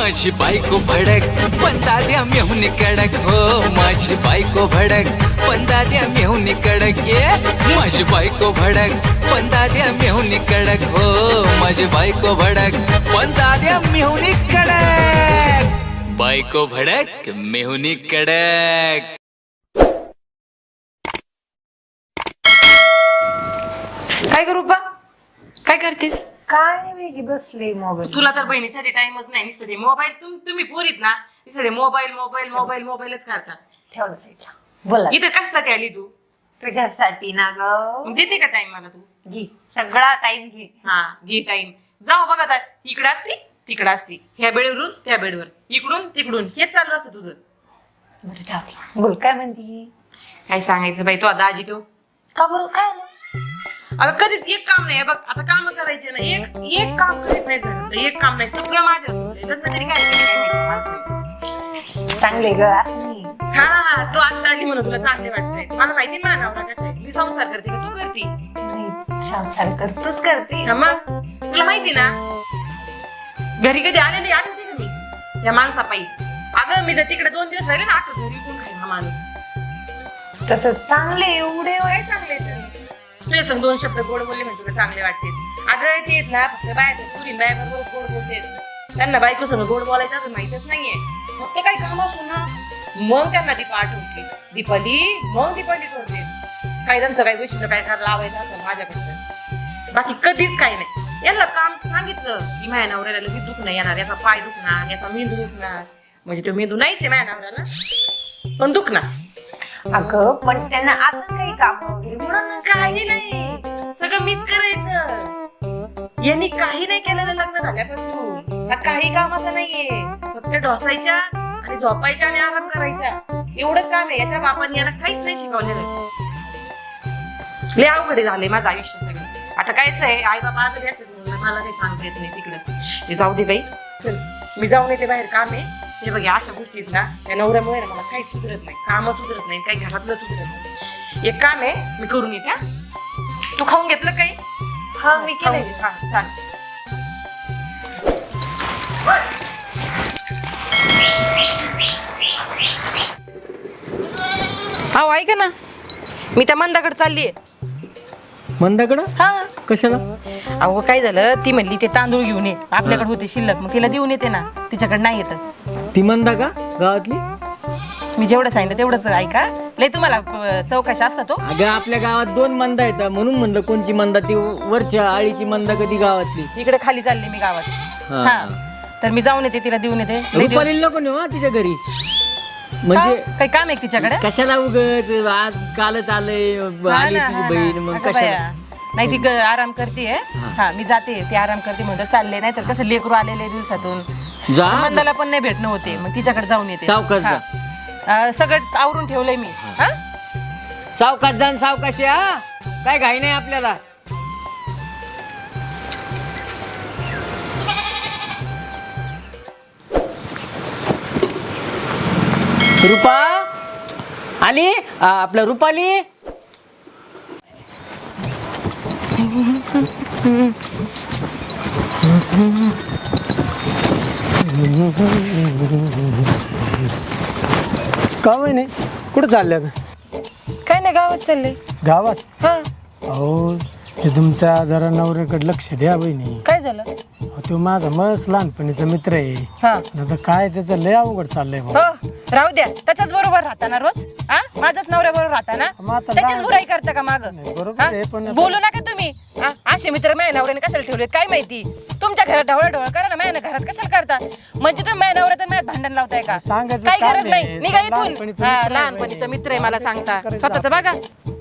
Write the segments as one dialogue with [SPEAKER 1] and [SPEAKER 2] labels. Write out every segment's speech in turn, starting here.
[SPEAKER 1] माझी बायको भडक पण दाद्या मेहुनी कडक हो माझी बायको भडक पण दाद्या मेहुनी कडक ये माझी बायको भडक पण दाद्या मेहुनी कडक हो माझी बायको भडक पण दाद्या मेहुनी कडक बायको भडक मेहुनी कडक.
[SPEAKER 2] काय करू बा काय करतेस?
[SPEAKER 3] काय नाही वेगळी बसले मोबाईल.
[SPEAKER 2] तुला तर बहिणीसाठी टाइमच नाही नुसतं ते मोबाईल. तुम्ही पोरीत ना नुसतं ते मोबाईल मोबाईल मोबाईल मोबाईलच करता.
[SPEAKER 3] ठेवलं साईडला. बोला
[SPEAKER 2] इथं कशासाठी आली तू?
[SPEAKER 3] तुझ्यासाठी ना ग.
[SPEAKER 2] देते का टाइम मला तू?
[SPEAKER 3] घे सगळा टाइम घे.
[SPEAKER 2] हा घे टाइम. जाऊ बघा आता इकडे असती तिकडे असती ह्या बेडवरून त्या बेडवर इकडून तिकडून हेच चालू असतं तुझं.
[SPEAKER 3] बरं चालेल. बोल काय म्हणती?
[SPEAKER 2] काय सांगायचं बाई तो दाजी तो
[SPEAKER 3] का बरं काय आलं?
[SPEAKER 2] अगं कधीच एक काम नाही बघ. आता काम करायचे ना एक काम करीत नाही घरात. एक काम नाही सगळं माझ्या लग्न तरी काय केलं काय माहिती माणसाने.
[SPEAKER 3] चांगले ग असं नाही.
[SPEAKER 2] हा तू आता आली म्हणून तुला चांगले वाटतंय. मला माहिती माझा नवरा कसा आहे. मी संसार करते का तू करते?
[SPEAKER 3] संसार करतोच करते.
[SPEAKER 2] हा मग तुला माहिती ना घरी कधी आलेली आठवते का मी या माणसापायी. अगं मी जर तिकडे 2 दिवस राहिले ना आठवत घरी कोण खाईल हा माणूस.
[SPEAKER 3] तसं चांगले एवढे
[SPEAKER 2] काय चांगले तुझे संग 2 शब्द गोड बोलले म्हणजे तुला चांगले वाटते. अगं ते ना फक्त बायचं पुरी बायबरोबर गोड बोलते. त्यांना बायको संग गोड बोलायचं अजून माहितच नाहीये. फक्त काही काम असू ना मग त्यांना दीपा आठवते. दीपाली मग दीपाली करते. काही त्यांचं काही गोष्टीला काय लावायचं असेल माझ्याकडचं बाकी कधीच काही नाही. याला काम सांगितलं की माझ्या नवऱ्याला लगेच दुखणं येणार. याचा पाय दुखणार याचा मेंदू दुखणार. म्हणजे तो मेंदू नाहीच आहे माझ्या नवऱ्याला पण दुखणार.
[SPEAKER 3] अगं पण त्यांना असं काही काम वगैरे म्हणून
[SPEAKER 2] काही नाही सगळं मीच करायचं. यांनी काही नाही केलेलं लग्न झाल्यापासून. हा काही कामाचा नाहीये. फक्त ढोसायच्या आणि झोपायच्या आणि आराम करायचा एवढंच काम आहे. याच्या बापाने याला काहीच नाही शिकवलेलं. लय अवघड झाले माझं आयुष्य सगळं. आता कायच आहे आई बाबा आजारी असतात मला काही सांगता येत नाही तिकडं. ते जाऊ दे बाई चल मी जाऊन येते बाहेर काम आहे. हे बघ अशा गोष्टीत ना त्या नवऱ्यामुळे ना मला काही सुधरत नाही. काम सुधरत नाही काही घरातलं सुधरत नाही. एक काम आहे मी करून येते. तू खाऊन घेतलं काही?
[SPEAKER 3] हा मी केलंय.
[SPEAKER 2] हा चालेल. हो ऐका ना मी त्या मंदाकडे चाललीये.
[SPEAKER 4] मंदाकडं
[SPEAKER 2] हा
[SPEAKER 4] कशाला?
[SPEAKER 2] अहो काय झालं ती म्हणली ते तांदूळ घेऊन ये आपल्याकडे होते शिल्लक मग तिला देऊन येते ना. तिच्याकडे नाही येत.
[SPEAKER 4] ती मंदा का गावातली?
[SPEAKER 2] मी जेवढं सांगितलं तेवढंच ऐका. लय तुम्हाला चौकशा असता तो.
[SPEAKER 4] अगं आपल्या गावात 2 मंदा येतात म्हणून म्हणलं कोणची मंदा ती वरच्या आळीची मंदा कधी गावातली.
[SPEAKER 2] इकडे खाली चालले मी गावात.
[SPEAKER 4] हा.
[SPEAKER 2] हा तर मी जाऊन येते तिला देऊन येते.
[SPEAKER 4] रुपालीला नको नेऊ हा तिच्या घरी. म्हणजे
[SPEAKER 2] काही काम आहे तिच्याकडे?
[SPEAKER 4] कशाला उगच आज कालच आलंय आली तुझी बहीण मग कशाला?
[SPEAKER 2] नाही ती आराम करते. हा मी जाते ती आराम करते म्हणतो चालले. नाही तर कसं लेकरू आलेले दिवसातून
[SPEAKER 4] जा
[SPEAKER 2] मंदाला पण नाही भेटणं होते मग तिच्याकडे जाऊन येते.
[SPEAKER 4] सावकाश जा.
[SPEAKER 2] सगळं आवरून ठेवलंय मी. हा
[SPEAKER 4] सावकाश जा सावकाशी. हा काय घाई नाही आपल्याला. रुपा आली आपलं रुपाली.
[SPEAKER 5] का नाही कुठं चालल्या?
[SPEAKER 2] काय नाही गावात चालले.
[SPEAKER 5] गावात?
[SPEAKER 2] हा
[SPEAKER 5] अहो ते तुमच्या जरा नवऱ्याकडे लक्ष द्या बहिणी.
[SPEAKER 2] काय झालं?
[SPEAKER 5] तो माझा मस्त लहानपणीचा मित्र आहे.
[SPEAKER 2] हा
[SPEAKER 5] आता काय त्याचं लय अवघड चाललंय भाऊ.
[SPEAKER 2] हो राहू द्या त्याच्याच बरोबर राहता ना रोज. हा माझाच नवऱ्या बरोबर राहता ना.
[SPEAKER 5] मग आता
[SPEAKER 2] त्याचीच
[SPEAKER 5] लहान-
[SPEAKER 2] बुराई करता का माग?
[SPEAKER 5] बरोबर आहे पण आता-
[SPEAKER 2] बोलू नका तुम्ही. असे मित्र माझ्या नवऱ्याने कशाला ठेवलेत काय माहिती. तुमच्या घरात ढवळ करा ना माझ्या घरात कशाला करता. म्हणजे तुम्ही माझ्या नवऱ्यात माझ्यात भांडण लावताय का?
[SPEAKER 5] सांगायचं
[SPEAKER 2] काही
[SPEAKER 5] काम
[SPEAKER 2] गरज
[SPEAKER 5] नाही.
[SPEAKER 2] नाही. निघा इथून.
[SPEAKER 5] लहानपणीचा मित्र आहे
[SPEAKER 2] लहानपणीचा
[SPEAKER 5] बहिणी.
[SPEAKER 2] मित्र आहे मला सांगता.
[SPEAKER 5] करायचं
[SPEAKER 2] स्वतःच बघा.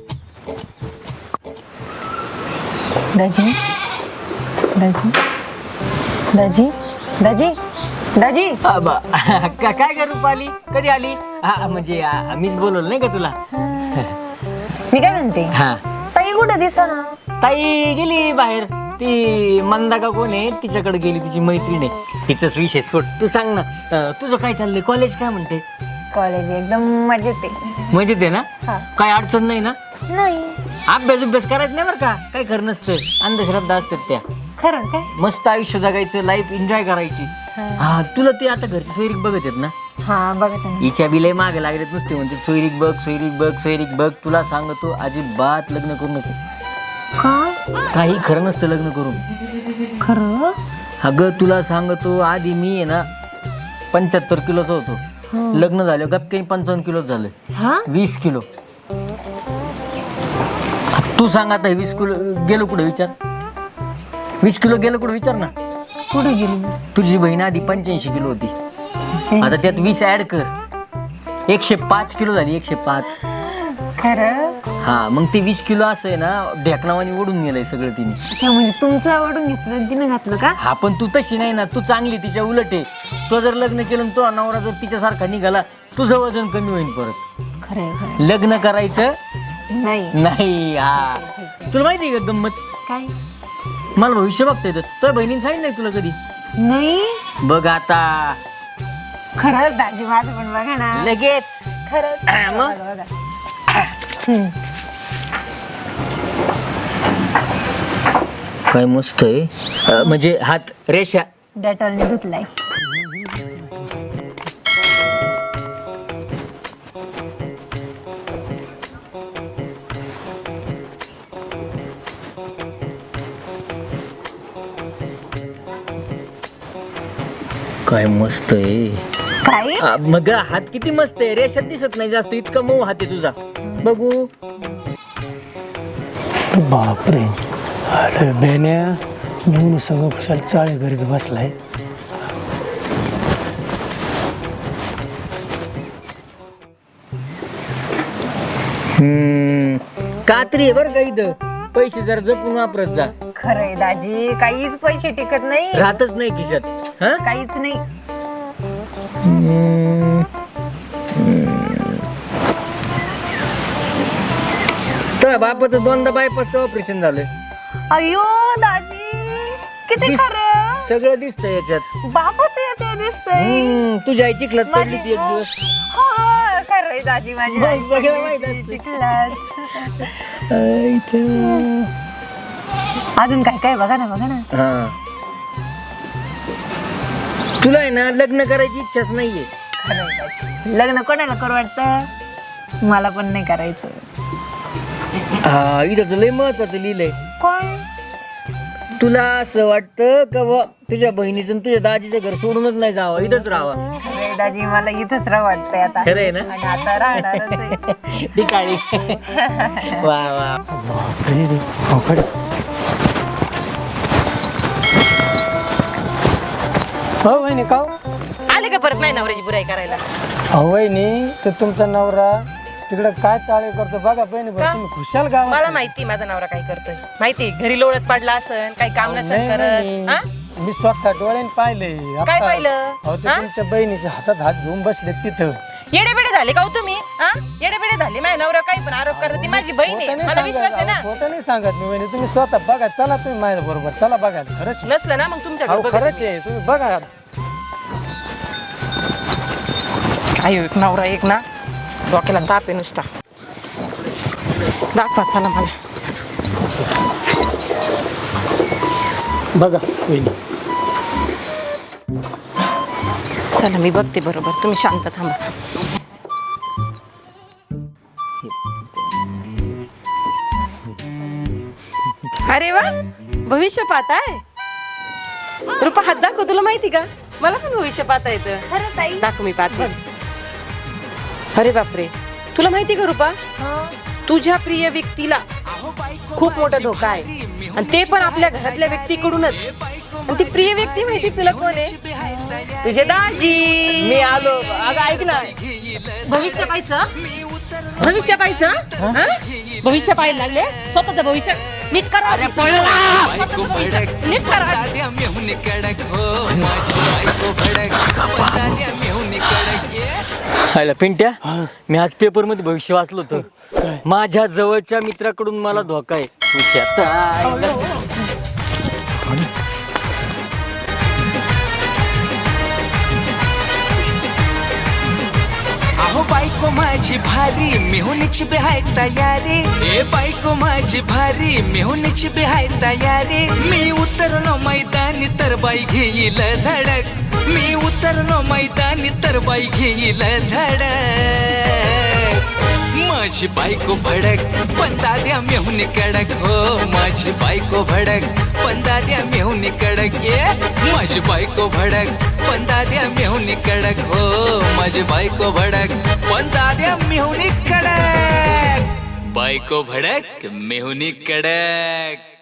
[SPEAKER 3] दाजी दाजी दाजी दाजी दाजी
[SPEAKER 4] काय ग रुपाली कधी आली? हा म्हणजे मीच बोलवलं नाही का तुला?
[SPEAKER 3] मी काय म्हणते
[SPEAKER 4] हा
[SPEAKER 3] ताई कुठं दिसना?
[SPEAKER 4] ताई गेली बाहेर. ती मंदा का कोण आहे तिच्याकडे गेली. तिची मैत्रीण आहे. तिचाच विषय सोड. तू सांग ना तुझं काय चाललंय? कॉलेज काय म्हणते?
[SPEAKER 3] कॉलेज एकदम मजेत आहे.
[SPEAKER 4] मजेत आहे ना?
[SPEAKER 3] हा.
[SPEAKER 4] काय अडचण नाही ना?
[SPEAKER 3] नाही
[SPEAKER 4] अभ्यास करायचं नाही बरं का? काय खरं नसतं. अंधश्रद्धा असतात त्या.
[SPEAKER 3] खरं काय?
[SPEAKER 4] मस्त आयुष्य जगायचं. लाईफ एन्जॉय करायची. हा तुला ते आता घरचे सोयरीक बघत आहेत ना,
[SPEAKER 3] हा बघत आहे
[SPEAKER 4] हिच्या बिले मागे लागलेत नुसते म्हणते सोयरीक बघ सोयरीक बघ सोयरीक बघ. तुला सांगतो अजिबात लग्न करू नको.
[SPEAKER 3] का
[SPEAKER 4] काही खरं नसतं लग्न करून.
[SPEAKER 3] खरं
[SPEAKER 4] अगं तुला सांगतो आधी मी आहे ना 75 किलोचा होतो, लग्न झालं गप काही 55 किलो झालं.
[SPEAKER 3] हा
[SPEAKER 4] 20 किलो. तू सांग आता 20 किलो गेलो कुठे विचार, 20 किलो गेलो कुठे विचार ना.
[SPEAKER 3] कुठे गेली
[SPEAKER 4] तुझी बहीण आधी 85 किलो होती, आता त्यात 20 ऍड कर, 105 किलो झाली. 105.
[SPEAKER 3] खरं
[SPEAKER 4] हा मग ते 20 किलो असं आहे ना ढेकणावानी ओढून गेलंय सगळं तिने.
[SPEAKER 3] अच्छा म्हणजे तुमचं आवडून घेतलं तिनं घातलं का
[SPEAKER 4] हा पण तू तशी नाही ना, तू चांगली तिच्या उलट आहे. तो जर लग्न केलं आणि तो नवरा जर तिच्यासारखा निघाला तुझं वजन कमी होईल परत.
[SPEAKER 3] खरंय खरं
[SPEAKER 4] लग्न करायचं
[SPEAKER 3] नाही
[SPEAKER 4] नाही. हा तुला माहिती आहे का गंमत,
[SPEAKER 3] काय
[SPEAKER 4] मला भविष्य बघता येतं. तुझ्या बहिणीने सांगितलं तुला कधी?
[SPEAKER 3] नाही
[SPEAKER 4] बघ आता
[SPEAKER 3] खरंच दाजी माझं पण बघा ना
[SPEAKER 4] लगेच.
[SPEAKER 3] खरंच
[SPEAKER 4] मग?
[SPEAKER 3] बघा, बघा.
[SPEAKER 4] काय मस्त आहे. म्हणजे हात रेषा.
[SPEAKER 3] डेटॉलने धुतलाय.
[SPEAKER 4] काय मस्त आहे.
[SPEAKER 3] काय
[SPEAKER 4] मग हात किती मस्त आहे, रेषात दिसत नाही जास्त, इतका मऊ हात आहे तुझा. बघू.
[SPEAKER 5] बापरे, अरे बेन्या घेऊन सगळं खुशाल चाळे घरीत बसलाय.
[SPEAKER 4] कात्री आहे बरं का इथं, पैसे जर जपून वापरत जा.
[SPEAKER 3] खरंय दाजी काहीच पैसे टिकत नाही,
[SPEAKER 4] राहतच नाही खिशात. हा
[SPEAKER 3] काहीच नाही.
[SPEAKER 4] तर बापाचं 2दा बायपासचं ऑपरेशन झालंय.
[SPEAKER 3] अयो दाजी किती खरं
[SPEAKER 4] सगळं दिसतंय याच्यात.
[SPEAKER 3] बापाचं येते दिसतंय.
[SPEAKER 4] तुझ्या आई चिखलात पडली ती एक दिवस.
[SPEAKER 3] हो खरंय दाजी माझी आई
[SPEAKER 4] सगळं माहित असतं.
[SPEAKER 3] चिखलात. अजून काय काय बघा ना बघा ना.
[SPEAKER 4] हा तुला आहे ना लग्न करायची इच्छाच नाहीये.
[SPEAKER 3] खरंय दाजी. लग्न कोणाला करू वाटतं, मला पण नाही करायचं.
[SPEAKER 4] हा इथं तर लय महत्वाचं लिहिलंय.
[SPEAKER 3] काय
[SPEAKER 4] तुला असं वाटतं का बुवा तुझ्या बहिणीचं आणि तुझ्या दाजीचं घर सोडूनच नाही जावं, इथंच राहावा.
[SPEAKER 3] खरंय दाजी मला इथंच राह वाटतंय आता.
[SPEAKER 4] खरंय ना?
[SPEAKER 3] आणि आता राहणारच आहे.
[SPEAKER 4] ती काळी. वा वा.
[SPEAKER 5] बापरे रे, अवघड. हो वहिनी का
[SPEAKER 2] आले का परत नाही नवऱ्याची बुराई करायला?
[SPEAKER 5] वहिनी तर तुमचा नवरा तिकडं काय चाळे करतो बघा बहिणी.
[SPEAKER 2] का?
[SPEAKER 5] तुम्ही खुशाल गावात.
[SPEAKER 2] मला माहिती माझा नवरा काय करतोय, माहिती घरी लोळत पडला असन, काही काम नसन
[SPEAKER 5] नाही,
[SPEAKER 2] करत. हा?
[SPEAKER 5] मी स्वतः डोळ्याने पाहिले.
[SPEAKER 2] काय पाहिलं?
[SPEAKER 5] अहो ते
[SPEAKER 2] हा?
[SPEAKER 5] तुमच्या बहिणीच्या हातात हात घेऊन बसले तिथं.
[SPEAKER 2] येडेबेडे झाले का हो तुम्ही? हा? येडेबेडे झाले. माझ्या नवरा काही पण आरोप करत, ती माझी बहीण आहे, मला विश्वास आहे ना.
[SPEAKER 5] खोटं नाही सांगत मी वहिनी, तुम्ही स्वतः बघा. चला तुम्ही माझ्या बरोबर चला बघा. खरंच आहे.
[SPEAKER 2] नसलं ना मग तुमच्या
[SPEAKER 5] अहो खरंच आहे, तुम्ही बघा.
[SPEAKER 2] आयो एक नवरा एक ना डोक्याला ताप आहे नुसता. दाखवा चला मला.
[SPEAKER 5] बघा वहिनी.
[SPEAKER 2] चला मी बघते बरोबर, तुम्ही शांत थांबा. अरे वा, भविष्य पाहताय. रुपा हात दाखव, तुला माहिती का मला पण भविष्य पाहता येतं.
[SPEAKER 3] खरं ताई
[SPEAKER 2] दाखव मी पाहते. अरे बापरे, तुला माहिती का रुपा, तुझ्या प्रिय व्यक्तीला खूप मोठा धोका आहे, आणि ते पण आपल्या घरातल्या व्यक्तीकडूनच. आणि ती प्रिय व्यक्ती माहिती तुला कोण आहे? तुझे दाजी.
[SPEAKER 4] मी आलो. अगं ऐक ना,
[SPEAKER 2] भविष्य पाहायचं, भविष्य पाहायचं. हा? भविष्य पाहायला लागले, स्वतःच भविष्य नीट करा.
[SPEAKER 1] बायको भडक
[SPEAKER 2] नीट करा.
[SPEAKER 1] दाद्या मेहून कडक हो, माझी बायको भडक दाद्या मेहून कडक.
[SPEAKER 4] हायला पिंट्या, मी आज पेपर मध्ये भविष्य वाचलो होतं. माझ्या जवळच्या मित्राकडून मला धोका आहे.
[SPEAKER 1] अहो बायको माझी भारी मेहुनीची बिहाय तयारी. ए बायको माझी भारी मेहुनीची बिहाय तयारी. मी उतरलो मैदानी तर बाई घेईल धडक. मैदानी तर बाई घेईल धडक माझी बायको भडक पण दाद्या मेहुनी कडक हो माझी बायको भडक पण दाद्या मेहुनी कडक माझी बायको भडक पण दाद्या मेहुनी कडक हो माझी बायको भडक पण दाद्या मेहुनी कडक बायको भडक मेहुनी कडक